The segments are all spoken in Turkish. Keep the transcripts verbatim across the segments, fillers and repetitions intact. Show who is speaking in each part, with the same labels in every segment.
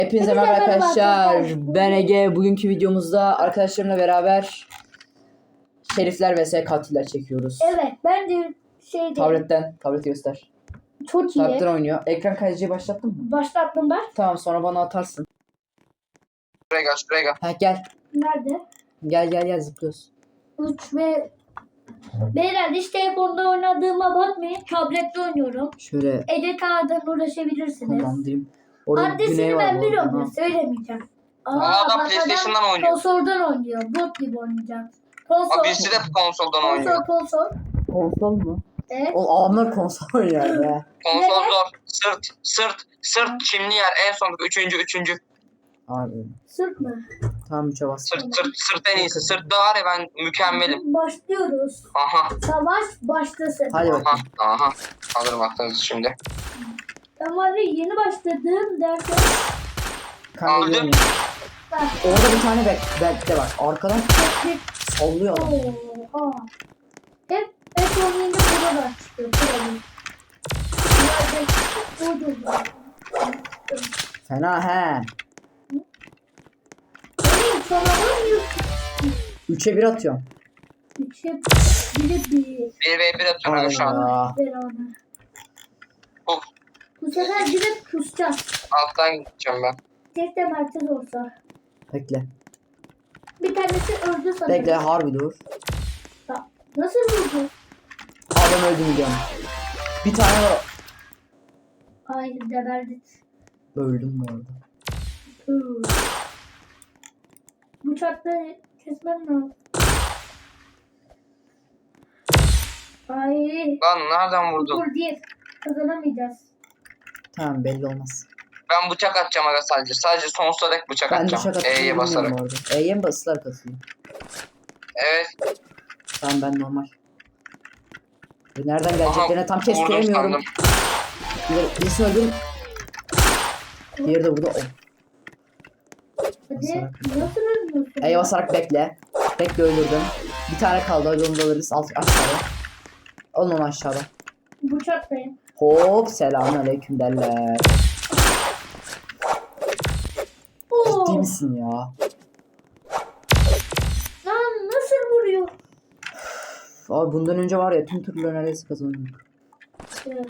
Speaker 1: Hepinize merhaba arkadaşlar. Ben Ege. Bugünkü videomuzda arkadaşlarımla beraber şerifler vs katiller çekiyoruz.
Speaker 2: Evet, ben de şeyde
Speaker 1: Tabletten, tablet göster.
Speaker 2: çok iyi.
Speaker 1: Tabletten oynuyor. Ekran kaydedici başlattın mı?
Speaker 2: Başlattım ben.
Speaker 1: Tamam, sonra bana atarsın.
Speaker 3: Şuraya gel, şuraya gel.
Speaker 1: Ha gel.
Speaker 2: Nerede?
Speaker 1: Gel gel gel zıplıyoruz.
Speaker 2: üç ve beyler hiç telefonda oynadığıma bakmayın. Tablette oynuyorum.
Speaker 1: Şöyle
Speaker 2: Edit ağdan uğraşabilirsiniz.
Speaker 1: kullandığım. Orada
Speaker 2: Adresini
Speaker 1: güney var
Speaker 2: ben
Speaker 1: bu
Speaker 2: biliyorum
Speaker 1: arada.
Speaker 2: ya, söylemeyeceğim.
Speaker 3: Aa, adam
Speaker 2: bak
Speaker 3: PlayStation'dan oynuyor.
Speaker 2: Konsoldan oynuyor. Bot gibi oynayacak. Konsol.
Speaker 3: Aa, birisi de konsoldan oynuyor.
Speaker 2: Konsol konsol.
Speaker 1: Konsol mu?
Speaker 2: Evet.
Speaker 1: O adamlar konsol oynuyor be.
Speaker 3: Konsol zor. Sırt, sırt, sırt çimli yer. En son üçüncü, üçüncü.
Speaker 1: Abi.
Speaker 2: Sırt mı?
Speaker 1: Tamam üçe bas.
Speaker 3: Sırt, sırt, sırt en iyisi. Sırtta var ya ben mükemmelim.
Speaker 2: Başlıyoruz.
Speaker 3: Aha,
Speaker 2: Savaş başlasın.
Speaker 1: Hadi
Speaker 3: aha,
Speaker 1: bakalım.
Speaker 3: aha. Alırım aklınızı şimdi.
Speaker 2: Ben var ya yeni başladım derken.
Speaker 1: Kanka
Speaker 3: Aldım.
Speaker 1: görmüyor.
Speaker 2: Bak.
Speaker 1: Orada bir tane bek bekle bak. Arkadan sallıyor adam.
Speaker 2: Oo, aa. Hep hep oynayınca burada çıkıyor. Burada.
Speaker 1: Fena he.
Speaker 2: Benim çorabım yok.
Speaker 1: Üçe bir atıyorum.
Speaker 2: Üçe biri bir.
Speaker 3: bir ve bir atıyorum şu an.
Speaker 1: Aa.
Speaker 2: Beraber.
Speaker 3: Uf,
Speaker 2: Bu sefer direkt kusacağız.
Speaker 3: alttan gideceğim ben.
Speaker 2: Tek de merkez olsa.
Speaker 1: Bekle.
Speaker 2: Bir tanesi öldü sanırım.
Speaker 1: Bekle harbi dur.
Speaker 2: Ha, nasıl vurdu?
Speaker 1: Adam öldü mü diyorum. Bir tane var.
Speaker 2: Hayır geberdik.
Speaker 1: Öldüm bu arada.
Speaker 2: Hı. Bu çatları kesmem lazım. Ay.
Speaker 3: Lan nereden vurdun?
Speaker 2: Dur değil. Kazanamayacağız.
Speaker 1: Tamam belli olmaz.
Speaker 3: Ben bıçak atacağım aga sadece. Sadece sonsuza dek bıçak
Speaker 1: Ben
Speaker 3: atacağım.
Speaker 1: dışarı atmayı
Speaker 3: E'ye
Speaker 1: bilmiyorum
Speaker 3: basarak.
Speaker 1: bu arada. E'ye mi basılar katılıyor?
Speaker 3: Evet.
Speaker 1: Tamam ben normal. E, Nereden
Speaker 3: Aha,
Speaker 1: geleceklerine tam
Speaker 3: vurdum
Speaker 1: kestiremiyorum.
Speaker 3: sandım.
Speaker 1: Bir- Birisi öldüm. Diğeri de burada. Oh.
Speaker 2: Hadi.
Speaker 1: Basarak.
Speaker 2: Nasıl ölmüyorsun?
Speaker 1: E'ye basarak bekle. Bekle öldürdüm. Bir tane kaldı. Hadi onu da alırız. Alt, aşağıda. Alın onu aşağıda.
Speaker 2: Bu çatlayın.
Speaker 1: Hop selamünaleyküm derler.
Speaker 2: Oo.
Speaker 1: Ciddi misin ya?
Speaker 2: Lan nasıl vuruyor?
Speaker 1: Abi bundan önce var ya tüm turları neredeyse kazanıyorduk.
Speaker 2: Evet.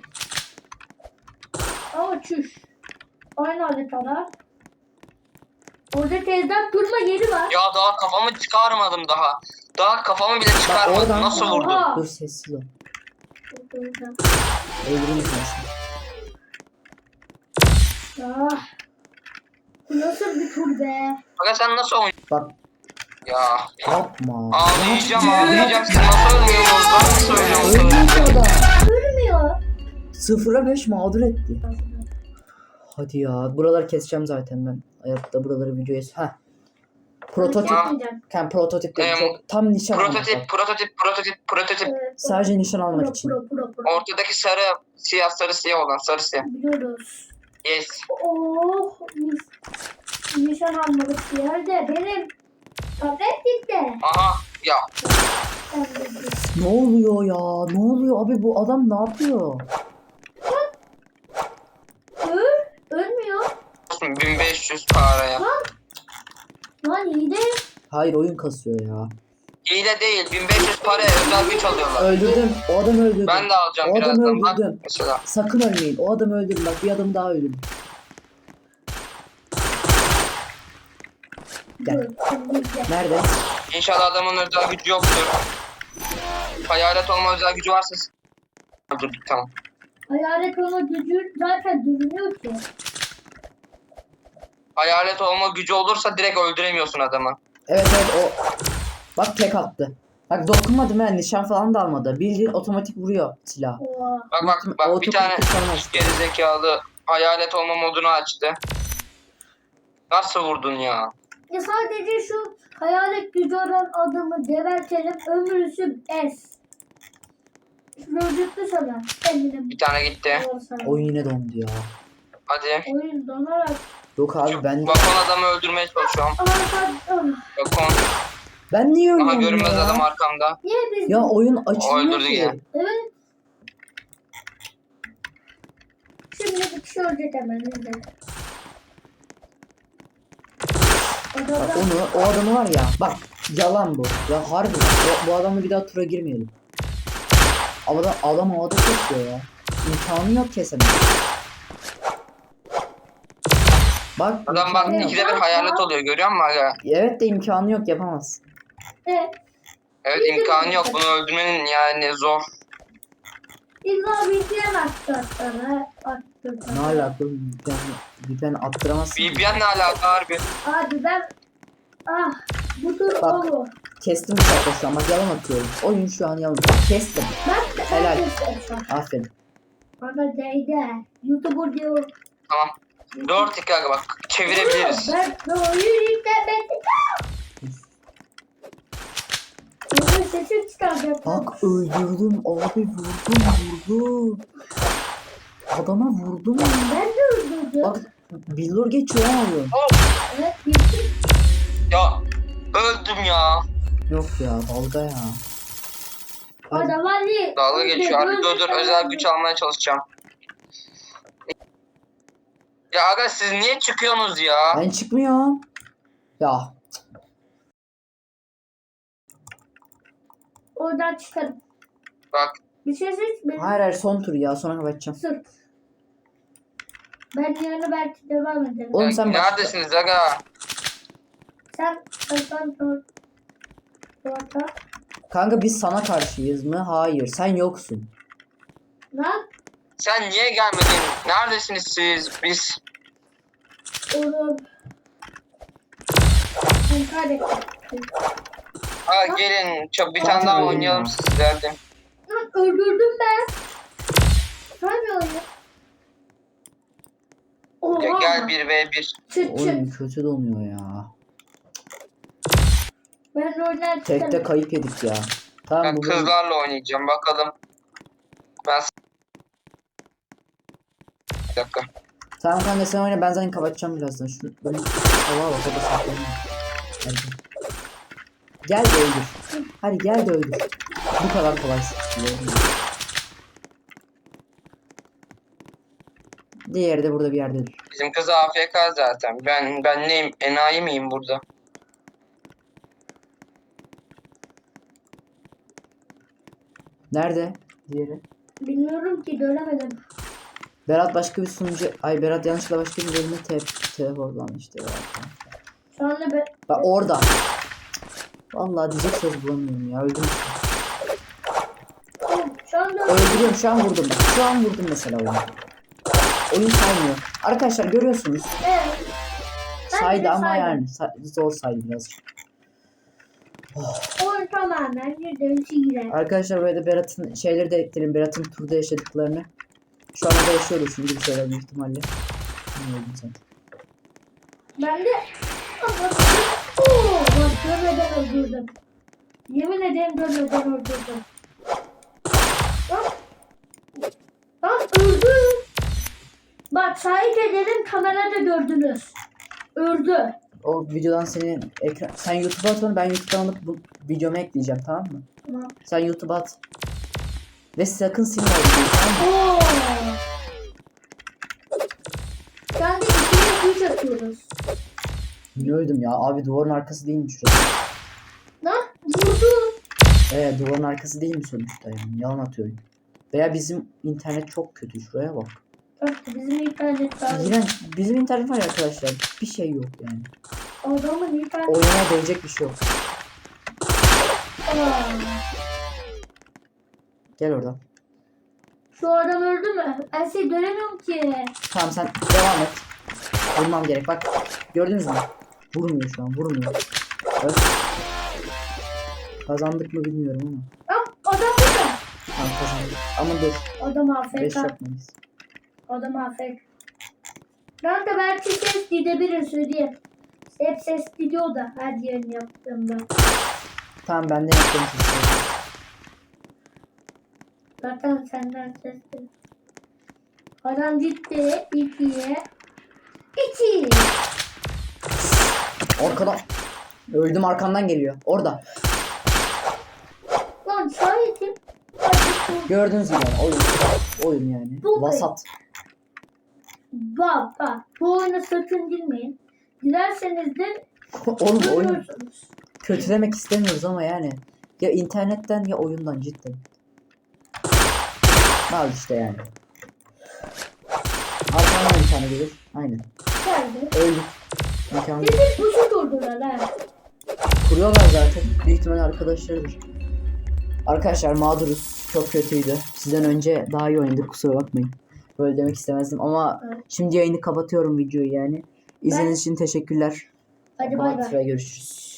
Speaker 2: Ama çüş. Aynı haritalar. Orada tezden durma yeri var.
Speaker 3: Ya daha kafamı çıkarmadım daha. Daha kafamı bile çıkarmadım.
Speaker 1: oradan-
Speaker 3: Nasıl vurdun?
Speaker 2: Oha.
Speaker 1: Dur sessiz ol.
Speaker 2: Orada.
Speaker 1: Eğiliriz nasıl?
Speaker 2: Ah. Bu nasıl bir tur be?
Speaker 3: Aga sen nasıl oynuyorsun?
Speaker 1: Bak
Speaker 3: Ya.
Speaker 1: yapma.
Speaker 3: Ağlayacağım ağlayacağım. Siz nasıl ölmüyorsunuz? Ben nasıl ölüyorum?
Speaker 1: Ölmüyor da.
Speaker 2: Ölmüyor.
Speaker 1: Sıfıra beş mağdur etti. Hadi ya. Buraları keseceğim zaten ben. Hayatta buraları videoya... Heh. Prototip.
Speaker 2: Çekmeyeceğim.
Speaker 1: Yani prototip dedim.
Speaker 3: Em,
Speaker 1: Çok tam nişan almak.
Speaker 3: Prototip, prototip, prototip, prototip.
Speaker 2: Evet,
Speaker 1: Sadece nişan almak
Speaker 2: pro,
Speaker 1: için.
Speaker 2: pro, pro, pro.
Speaker 3: Ortadaki sarı, siyah, sarı, siyah olan, sarı, siyah.
Speaker 2: Biliyoruz.
Speaker 3: Yes.
Speaker 2: Oh, mis. Nişan almalık bir yerde. Benim tablet gitti.
Speaker 3: Aha, ya.
Speaker 2: Ben de-
Speaker 1: Ne oluyor ya? Ne oluyor abi bu adam ne yapıyor?
Speaker 2: Öl, ölmüyor.
Speaker 3: bin beş yüz paraya.
Speaker 2: Lan iyi de.
Speaker 1: Hayır oyun kasıyor ya.
Speaker 3: İyi de değil, bin beş yüz paraya özel güç alıyorlar.
Speaker 1: Öldürdüm. O adamı öldürdüm.
Speaker 3: Ben de alacağım
Speaker 1: O adamı
Speaker 3: birazdan. Bak
Speaker 1: öldürdüm.
Speaker 3: mesela.
Speaker 1: Sakın ölmeyin. O adamı öldürün. Bak bir adam daha öldürün. Gel.
Speaker 2: Dur, şimdi gel.
Speaker 1: Nerede?
Speaker 3: İnşallah adamın özel gücü yoktur. Hayalet olma özel gücü varsa öldürdük tamam.
Speaker 2: Hayalet ona gücü zaten görünüyor ki.
Speaker 3: Hayalet olma gücü olursa direkt öldüremiyorsun adamı.
Speaker 1: Evet evet o. Bak tek attı. Bak dokunmadım ben. Nişan falan da almadı. Bildiğin otomatik vuruyor silah.
Speaker 2: Oha.
Speaker 3: Bak bak bak bir
Speaker 1: Otomatik
Speaker 3: tane
Speaker 1: kurtarmaz.
Speaker 3: gerizekalı hayalet olma modunu açtı. Nasıl vurdun ya?
Speaker 2: Ya sadece şu hayalet gücü olan adamı gebertelim, ömrüsü es. Öldürdü sana. Kendine
Speaker 3: Bir tane gitti.
Speaker 1: Oyun yine dondu ya.
Speaker 3: Hadi.
Speaker 2: Oyun donarak.
Speaker 1: Yok abi
Speaker 3: Şu
Speaker 1: ben
Speaker 3: balkon adamı öldürmeye çalışıyorum.
Speaker 2: Arka... Ah.
Speaker 3: Balkon.
Speaker 1: ben niye
Speaker 3: Aha
Speaker 1: ölüyorum
Speaker 3: görünmez
Speaker 1: ya?
Speaker 3: adam arkamda.
Speaker 2: Niye biz...
Speaker 1: Ya oyun açılmıyor
Speaker 3: öldürdü
Speaker 1: ki.
Speaker 3: ya.
Speaker 2: Evet. Şimdi bir kişi ölecek hemen. izle.
Speaker 1: Bak
Speaker 2: Adamlar
Speaker 1: onu, o adamı var ya. Bak yalan bu. Ya harbi. Bu, bu adamla bir daha tura girmeyelim. Adam, adam havada kesiyor ya. İmkanı yok kesemez. Bak
Speaker 3: Adam bak
Speaker 1: imkanı yok.
Speaker 3: ikide bir hayalet oluyor görüyor musun hala?
Speaker 1: Evet de imkanı yok, yapamaz.
Speaker 2: evet.
Speaker 3: Evet imkanı yok bunu öldürmenin yani zor.
Speaker 2: İlla bir diyen attı sana. Attı
Speaker 1: Ne
Speaker 2: sana.
Speaker 1: alaka? Ben, ben attıramazsın.
Speaker 3: V P N ne alaka harbi?
Speaker 2: Abi ben... Ah. Bu tur
Speaker 1: Bak.
Speaker 2: olur.
Speaker 1: Kestim bu sefer şu an. Bak yalan atıyorum. Oyun şu an yalan. Kestim.
Speaker 2: Ben
Speaker 1: Helal.
Speaker 2: ben
Speaker 1: Aferin.
Speaker 2: Bana değdi. YouTuber diyor.
Speaker 3: Tamam. Dört dakika bak çevirebiliriz.
Speaker 2: Ben ben oyun yüklemedim. Oyun sesi çıkaracak.
Speaker 1: Bak öldürdüm abi, vurdum vurdum. Adama vurdum.
Speaker 2: Ben de öldürdüm.
Speaker 1: Bak billur geçiyor ha oyun.
Speaker 2: Evet bitti.
Speaker 3: Ya öldüm ya.
Speaker 1: Yok ya dalga ya. Hadi.
Speaker 2: Adam Ali.
Speaker 3: Dalga geçiyor. Harbi dur dur özel güç almaya çalışacağım. Ya aga siz niye çıkıyorsunuz ya?
Speaker 1: Ben çıkmıyorum. Ya
Speaker 2: Oradan çıkarım.
Speaker 3: Bak
Speaker 2: Bir şey seç. Benim
Speaker 1: hayır hayır son tur ya, sonra kapatacağım.
Speaker 2: sırt. Ben yarın belki devam ederim.
Speaker 1: Oğlum
Speaker 3: ya
Speaker 1: sen başla.
Speaker 3: neredesiniz aga?
Speaker 2: Sen sen dur. Orta.
Speaker 1: Kanka biz sana karşıyız mı? Hayır, sen yoksun.
Speaker 2: Lan.
Speaker 3: Sen niye gelmedin? Neredesiniz siz? Biz
Speaker 2: Oğlum. Ben kaybettim.
Speaker 3: Aa, gelin çok bir
Speaker 1: Zaten
Speaker 3: tane daha
Speaker 1: öyle
Speaker 3: oynayalım
Speaker 1: ya.
Speaker 3: sizlerle.
Speaker 2: Lan öldürdüm ben. Sen oyun? Oha.
Speaker 3: Ya gel bir ve bir.
Speaker 2: Çıt
Speaker 1: Oyun
Speaker 2: çıt.
Speaker 1: kötü donuyor ya.
Speaker 2: Ben oynar
Speaker 1: Tekte
Speaker 2: çıkarım.
Speaker 1: kayıp yedik ya. Tamam
Speaker 3: Ben
Speaker 1: bu bölüm-
Speaker 3: kızlarla oynayacağım bakalım. Ben bir dakika.
Speaker 1: Tamam kanka sen oyna, ben zaten kapatacağım birazdan. Şunu böyle hava bak, o da saklanıyor. Hadi. Gel de öldür. Hadi gel de öldür. Bu kadar kolay. Diğeri de burada bir yerdedir.
Speaker 3: Bizim kız A F K zaten. Ben ben neyim? Enayi miyim burada?
Speaker 1: Nerede? Diğeri.
Speaker 2: Bilmiyorum ki göremedim.
Speaker 1: Berat başka bir sunucu... Ay Berat yanlışlıkla başka bir bölüme te teleportlanmıştı ya.
Speaker 2: Şu anda ben...
Speaker 1: Bak orada. Vallahi diyecek söz bulamıyorum ya. Öldüm.
Speaker 2: Şu anda
Speaker 1: Öldürüyorum, şu an vurdum bak. Şu an vurdum mesela oyunu. Oyun saymıyor. Arkadaşlar görüyorsunuz.
Speaker 2: evet. Ben
Speaker 1: Saydı
Speaker 2: de
Speaker 1: ama
Speaker 2: saydım.
Speaker 1: yani sa- zor saydı birazcık.
Speaker 2: Oyun tamamen yüzde üç girer.
Speaker 1: Arkadaşlar böyle de Berat'ın şeyleri de ekleyelim. Berat'ın turda yaşadıklarını. Şu anda yaşıyoruz şimdi bir şeyler büyük ihtimalle. Ne öldüm sen?
Speaker 2: Ben de... Oo, bak görmeden öldürdüm. Yemin ederim görmeden öldürdüm. Lan. Lan öldü. Bak şahit edelim, kamerada gördünüz. Öldü.
Speaker 1: O videodan senin ekran... Sen YouTube'a at onu, ben YouTube'dan alıp bu videomu ekleyeceğim, tamam mı?
Speaker 2: Tamam.
Speaker 1: Sen YouTube'a at. Ve sakın silme o videoyu, tamam mı?
Speaker 2: Oo. Şu anda ikiye üç atıyoruz.
Speaker 1: Ne öldüm ya? Abi duvarın arkası değil mi şurası?
Speaker 2: Lan vurdu.
Speaker 1: Ee duvarın arkası değil mi sonuçta yani? Yalan atıyor. Veya bizim internet çok kötü, şuraya bak.
Speaker 2: Bak bizim internet var.
Speaker 1: Yine bizim internet var ya arkadaşlar. Bir şey yok yani.
Speaker 2: Adamın internet
Speaker 1: Oynamaya değecek bir şey yok.
Speaker 2: var.
Speaker 1: Gel oradan.
Speaker 2: Şu adam öldü mü? Ben şey göremiyorum ki.
Speaker 1: Tamam sen devam et. Vurmam gerek bak. Gördünüz mü? Vurmuyor şu an, vurmuyor. Evet. Kazandık mı bilmiyorum ama.
Speaker 2: Lan adam burada.
Speaker 1: Tamam kazandık. Ama dur.
Speaker 2: Adam
Speaker 1: beş
Speaker 2: afk.
Speaker 1: yapmayız.
Speaker 2: Adam afk. Ben de belki ses gidebilir söyleyeyim. Hep ses gidiyor da her yerini yaptığımda.
Speaker 1: Tamam ben de yaptım.
Speaker 2: Zaten senden ses geliyor. Adam gitti. ikiye. İki.
Speaker 1: Arkadan. Öldüm, arkamdan geliyor. Orada.
Speaker 2: Lan şahitim. Hadi
Speaker 1: Gördüğünüz gibi yani oyun. Oyun yani.
Speaker 2: Bu
Speaker 1: Vasat.
Speaker 2: Bak bak. Bu oyuna sakın girmeyin. Girerseniz de
Speaker 1: Oğlum oyun
Speaker 2: Görüyorsunuz.
Speaker 1: kötülemek istemiyoruz ama yani. Ya internetten ya oyundan cidden. Al işte yani. Arkamdan bir tane gelir. Aynen.
Speaker 2: Geldi.
Speaker 1: Öldük. Mükemmel.
Speaker 2: Bizim pusu durdular ha.
Speaker 1: Kuruyorlar zaten. Büyük ihtimalle arkadaşlarıdır. Arkadaşlar mağduruz. Çok kötüydü. Sizden önce daha iyi oynadık. Kusura bakmayın. Böyle demek istemezdim ama
Speaker 2: Evet.
Speaker 1: şimdi yayını kapatıyorum videoyu yani. İzlediğiniz için teşekkürler.
Speaker 2: Hadi bay
Speaker 1: Kapat
Speaker 2: bay.
Speaker 1: ve görüşürüz.